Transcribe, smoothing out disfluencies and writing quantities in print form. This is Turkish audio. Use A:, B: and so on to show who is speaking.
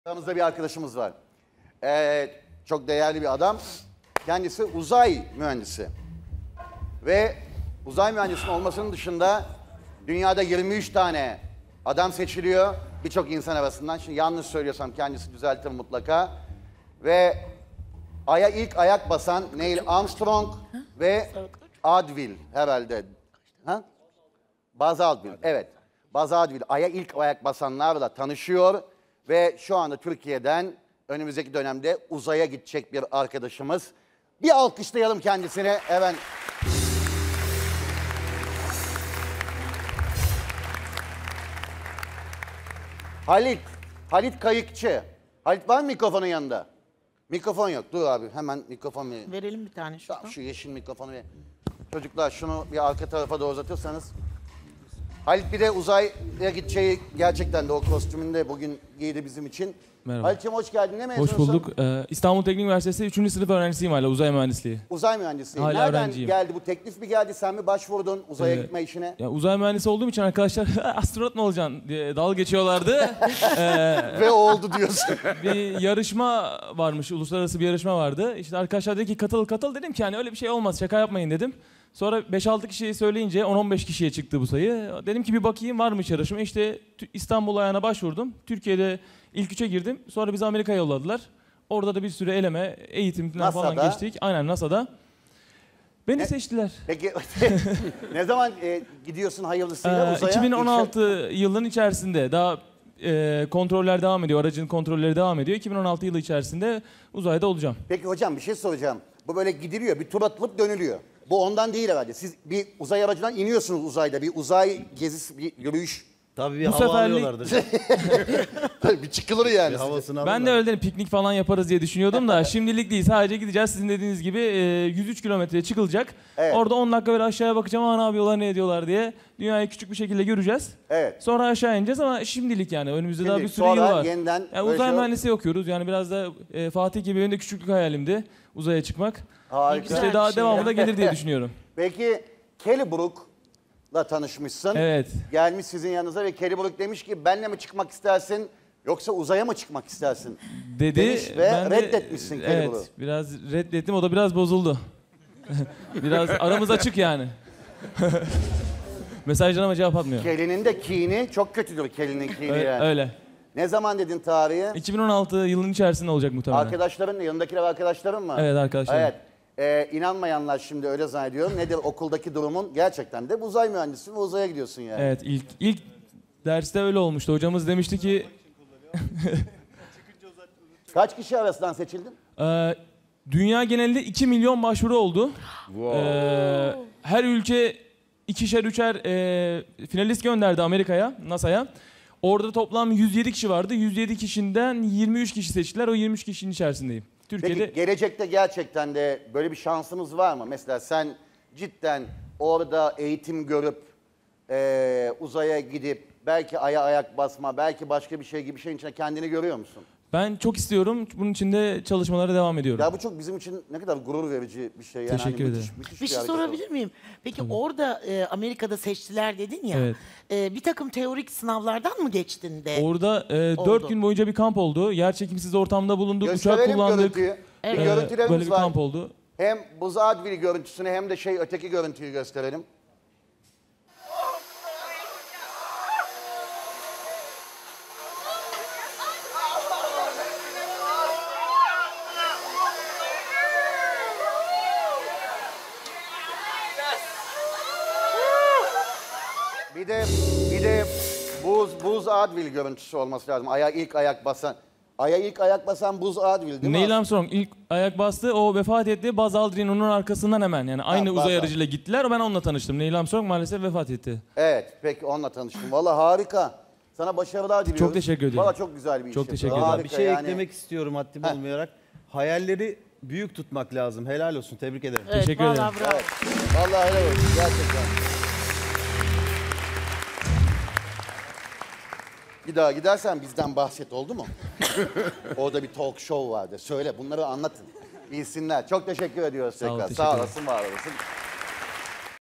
A: Aramızda bir arkadaşımız var. Çok değerli bir adam. Kendisi uzay mühendisi. Ve uzay mühendisinin olmasının dışında dünyada 23 tane adam seçiliyor. Birçok insan arasından. Şimdi yanlış söylüyorsam kendisi düzeltir mutlaka. Ve Ay'a ilk ayak basan Neil Armstrong ve Aldrin herhalde. Ha? Buzz Aldrin, evet. Buzz Aldrin Ay'a ilk ayak basanlarla tanışıyor. Ve şu anda Türkiye'den önümüzdeki dönemde uzaya gidecek bir arkadaşımız. Bir alkışlayalım kendisine. Evet. Halit Kayıkçı. Halit var mı mikrofonun yanında? Mikrofon yok. Dur abi hemen mikrofon verin.
B: Verelim bir tane şuradan.
A: Şu yeşil mikrofonu ver. Çocuklar şunu bir arka tarafa doğru uzatırsanız. Halit bir de uzaya gideceği gerçekten de o kostümünde bugün giydi bizim için.
C: Merhaba.
A: Halit'ciğim hoş geldin. Ne mezunusun?
C: Hoş bulduk. İstanbul Teknik Üniversitesi 3. sınıf öğrencisiyim hala uzay mühendisliği.
A: Uzay mühendisliği.
C: Hala
A: Nereden
C: öğrenciyim.
A: geldi bu teklif mi geldi? Sen mi başvurdun uzaya gitme işine?
C: Ya uzay mühendisi olduğum için arkadaşlar astronot mu olacaksın diye dalga geçiyorlardı.
A: Ve oldu diyorsun.
C: Bir yarışma varmış, uluslararası bir yarışma vardı. İşte arkadaşlar dedi ki katıl dedim ki hani öyle bir şey olmaz şaka yapmayın dedim. Sonra 5-6 kişiyi söyleyince 10-15 kişiye çıktı bu sayı. Dedim ki bir bakayım varmış yarışma. İşte İstanbul ayağına başvurdum. Türkiye'de ilk 3'e girdim. Sonra bizi Amerika'ya yolladılar. Orada da bir süre eleme, eğitimden falan geçtik. Aynen NASA'da. Beni seçtiler.
A: Peki ne zaman gidiyorsun hayırlısıyla uzaya?
C: 2016 yılının içerisinde daha kontroller devam ediyor. Aracın kontrolleri devam ediyor. 2016 yılı içerisinde uzayda olacağım.
A: Peki hocam bir şey soracağım. Bu böyle gidiliyor, bir tur atılıp dönülüyor. Bu ondan değil herhalde. Siz bir uzay aracından iniyorsunuz uzayda. Bir uzay gezisi, bir yürüyüş.
D: Tabii bir
C: Bu
D: hava
C: seferlik-
D: alıyorlardır.
A: Bir çıkılır yani.
D: Bir havasını
C: Ben
D: alırlar.
C: de öyle dedim, piknik falan yaparız diye düşünüyordum da şimdilik değil. Sadece gideceğiz. Sizin dediğiniz gibi 103 kilometreye çıkılacak.
A: Evet.
C: Orada 10 dakika böyle aşağıya bakacağım. Aa, ne yapıyorlar, ne ediyorlar diye. Dünyayı küçük bir şekilde göreceğiz.
A: Evet.
C: Sonra aşağı ineceğiz ama şimdilik yani önümüzde daha bir
A: Şimdilik,
C: sürü yıl
A: sonra
C: var.
A: yeniden
C: Yani
A: böyle
C: uzay
A: şey-
C: mühendisliği okuyoruz. Yani biraz da Fatih gibi benim de küçüklük hayalimdi uzaya çıkmak.
A: Harika.
B: Güzel
C: İşte
B: bir
C: daha
B: şey
C: devamı
B: ya.
C: da gelir diye düşünüyorum.
A: Peki Kelly Brook'la tanışmışsın.
C: Evet.
A: Gelmiş sizin yanınıza ve Kelly Brook demiş ki benle mi çıkmak istersin yoksa uzaya mı çıkmak istersin?
C: Dedi
A: Demiş ve
C: ben de-
A: reddetmişsin Kelly
C: Evet,
A: Brook'u.
C: biraz reddettim. O da biraz bozuldu. Biraz aramız açık yani. Mesajlarıma cevap atmıyor.
A: Kelly'nin de kini çok kötüdür Kelly'nin kini yani.
C: Öyle.
A: Ne zaman dedin tarihi?
C: 2016 yılının içerisinde olacak muhtemelen.
A: Arkadaşların mı? Yanındakiler arkadaşların mı?
C: Evet, arkadaşlarım.
A: Evet. İnanmayanlar şimdi öyle zannediyorum. Nedir okuldaki durumun? Gerçekten de uzay mühendisi ve uzaya gidiyorsun yani.
C: Evet, ilk derste öyle olmuştu. Hocamız demişti ki
A: Kaç kişi arasından seçildin?
C: dünya genelinde 2 milyon başvuru oldu. Her ülke ikişer üçer finalist gönderdi Amerika'ya, NASA'ya. Orada toplam 107 kişi vardı. 107 kişiden 23 kişi seçtiler. O 23 kişinin içerisindeyim. Türkiye'de
A: Peki gelecekte gerçekten de böyle bir şansınız var mı? Mesela sen cidden orada eğitim görüp uzaya gidip belki aya ayak basma, belki başka bir şey gibi bir şeyin içine kendini görüyor musun?
C: ben çok istiyorum. Bunun için de çalışmalara devam ediyorum.
A: Ya bu çok bizim için ne kadar gurur verici bir şey. Yani
C: Teşekkür ederim.
A: müthiş
B: Bir şey
A: hareket
B: sorabilir miyim? Peki orada Amerika'da seçtiler dedin ya.
C: Evet.
B: Bir takım teorik sınavlardan mı geçtin de?
C: Orada 4
B: Oldu.
C: gün boyunca bir kamp oldu. Yer çekimsiz ortamda bulunduk. Uçak
A: Gösterelim
C: kullandık.
A: görüntüyü.
B: Evet.
A: Bir görüntülerimiz
C: Böyle bir
A: var.
C: kamp oldu.
A: Hem Buzz Aldrin görüntüsünü hem de öteki görüntüyü gösterelim. Bir de Buzz Aldrin görüntüsü olması lazım. Ay'a ilk ayak basan Buzz Aldrin değil mi?
C: Neil Armstrong ilk ayak bastı. O vefat etti. Buzz Aldrin onun arkasından hemen. Yani aynı
A: Buzz
C: uzay
A: Aldrin.
C: aracıyla gittiler. Ben onunla tanıştım. Neil Armstrong maalesef vefat etti.
A: Evet, peki onunla tanıştım. Vallahi harika. Sana başarılar diliyoruz.
C: Çok teşekkür ederim.
A: Vallahi çok güzel bir iş
C: Çok
A: yapıyorsun.
C: teşekkür ederim.
A: Harika
D: Bir şey
A: yani.
D: eklemek istiyorum haddim olmayarak. Hayalleri büyük tutmak lazım. Helal olsun. Tebrik ederim.
B: Evet,
C: Teşekkür
B: vallahi
C: ederim.
B: bravo.
A: Evet. Vallahi helal olsun gerçekten. Bir daha gidersen bizden bahset oldu mu? Orada bir talk show vardı. Söyle bunları anlatın. Bilsinler. Çok teşekkür ediyoruz
C: ol,
A: tekrar.
C: teşekkür
A: Sağ
C: ederim.
A: olasın, var olasın.